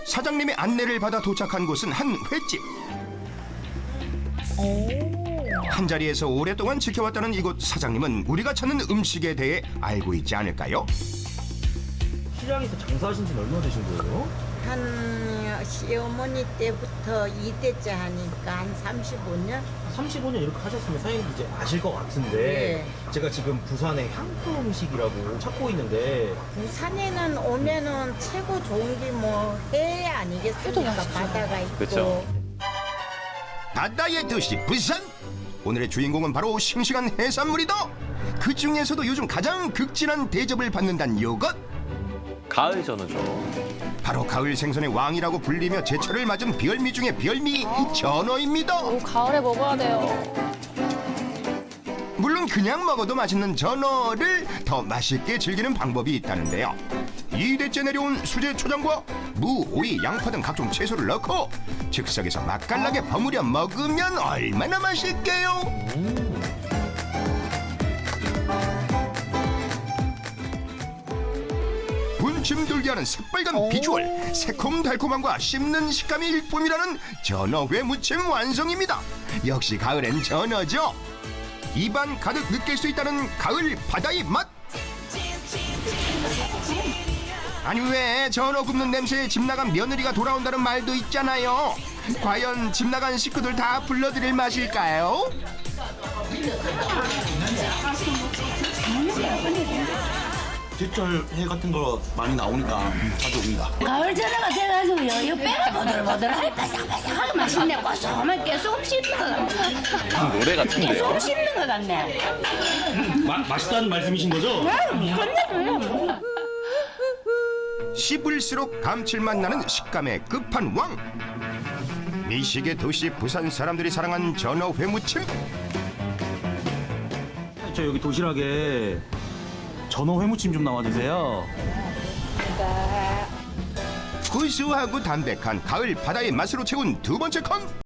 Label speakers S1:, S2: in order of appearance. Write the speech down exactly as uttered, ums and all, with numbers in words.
S1: 사장님의 안내를 받아 도착한 곳은 한 횟집. 한 자리에서 오랫동안 지켜왔다는 이곳 사장님은 우리가 찾는 음식에 대해 알고 있지 않을까요?
S2: 시장에서 장사하신 지는 얼마나 되신 거예요?
S3: 한 시어머니 때부터 이 대째 하니까 한 삼십오 년?
S2: 삼십오 년 이렇게 하셨으면 사장님도 이제 아실 것 같은데
S3: 네.
S2: 제가 지금 부산의 향토 음식이라고 찾고 있는데
S3: 부산에는 오면은 최고 좋은 게 뭐 해 아니겠습니까? 바다가 있고.
S4: 그쵸.
S1: 바다의 도시 부산. 오늘의 주인공은 바로 싱싱한 해산물이다. 그 중에서도 요즘 가장 극진한 대접을 받는다는 요것.
S4: 가을 전어죠.
S1: 바로 가을 생선의 왕이라고 불리며 제철을 맞은 별미 중의 별미 전어입니다.
S5: 오, 가을에 먹어야 돼요.
S1: 물론 그냥 먹어도 맛있는 전어를 더 맛있게 즐기는 방법이 있다는데요. 이 대째 내려온 수제 초장과 무, 오이, 양파 등 각종 채소를 넣고 즉석에서 맛깔나게 버무려 먹으면 얼마나 맛있게요. 군침 돌게 하는 새빨간 비주얼, 새콤달콤함과 씹는 식감이 일품이라는 전어회 무침 완성입니다. 역시 가을엔 전어죠. 입안 가득 느낄 수 있다는 가을 바다의 맛. 아니 왜 전어 굽는 냄새에 집 나간 며느리가 돌아온다는 말도 있잖아요. 과연 집 나간 식구들 다 불러드릴 맛일까요?
S6: 제철 회 같은 거 많이 나오니까 자주 옵니다.
S7: 가을 전어가 돼가지고요. 이 뼈가 보들보들하게 바삭바삭하게 맛있네. 고소하게 쏙 씹는 것 같네.
S4: 노래 같은데요.
S7: 쏙 씹는 것 같네.
S6: 마, 맛있다는 말씀이신 거죠?
S7: 끝내줘요.
S1: 씹을수록 감칠맛 나는 식감의 끝판왕. 미식의 도시 부산 사람들이 사랑한 전어 회무침.
S6: 저 여기 도시락에 전어 회무침 좀 나와주세요.
S1: 구수하고 담백한 가을 바다의 맛으로 채운 두 번째 칸.